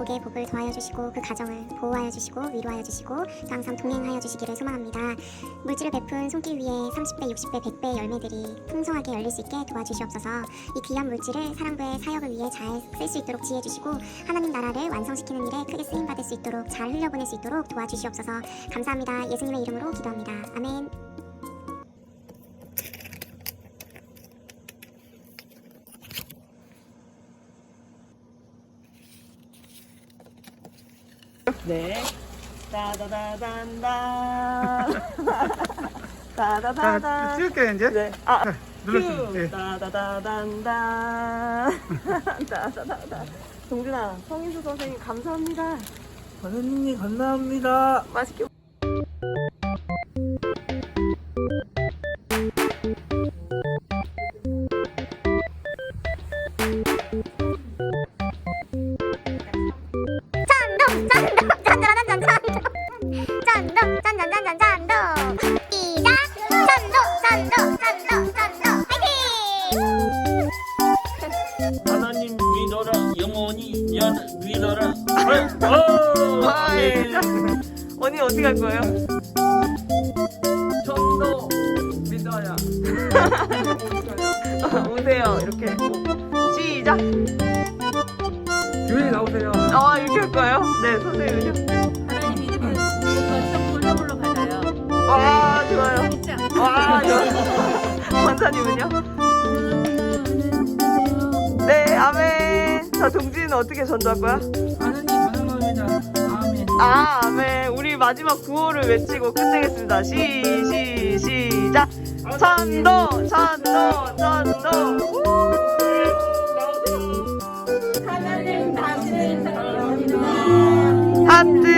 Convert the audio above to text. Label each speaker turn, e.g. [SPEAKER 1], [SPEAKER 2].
[SPEAKER 1] 가족의 복을 더하여 주시고 그 가정을 보호하여 주시고 위로하여 주시고 또 항상 동행하여 주시기를 소망합니다. 물질을 베푼 손길 위에 30배, 60배, 100배의 열매들이 풍성하게 열릴 수 있게 도와주시옵소서. 이 귀한 물질을 사랑부의 사역을 위해 잘 쓸 수 있도록 지혜 주시고 하나님 나라를 완성시키는 일에 크게 쓰임받을 수 있도록 잘 흘려보낼 수 있도록 도와주시옵소서. 감사합니다. 예수님의 이름으로 기도합니다. 아멘.
[SPEAKER 2] 네. 따다다단다. 따다다단.
[SPEAKER 3] 찍을게요 이제.
[SPEAKER 2] 네.
[SPEAKER 3] 눌러주세요.
[SPEAKER 2] 큐.
[SPEAKER 3] 예.
[SPEAKER 2] 따다다단다. 따다다단. 동준아, 성인수 선생님 감사합니다.
[SPEAKER 3] 선생님 감사합니다.
[SPEAKER 2] 맛있게.
[SPEAKER 4] 하나님 믿어라 영원히 믿어라.
[SPEAKER 2] 예. 언니 어디 갈 거예요?
[SPEAKER 4] 전도 믿어야.
[SPEAKER 2] 오세요. 이렇게. 시작.
[SPEAKER 3] 교회 나오세요.
[SPEAKER 2] 이렇게 할 거예요? 네, 선생님은요?
[SPEAKER 5] 하나님 믿으면 홀로 받아요.
[SPEAKER 2] 와, 좋아요.
[SPEAKER 5] 진짜.
[SPEAKER 2] 와, 좋아요. 권사님은요? 네, 아멘. 자, 동진이는 어떻게 전도할 거야?
[SPEAKER 4] 하나님 사랑합니다. 아멘.
[SPEAKER 2] 아멘. 우리 마지막 구호를 외치고 끝내겠습니다. 시작. 전도, 전도, 전도.
[SPEAKER 5] 하나님 당신을 사랑합니다.
[SPEAKER 2] 하트.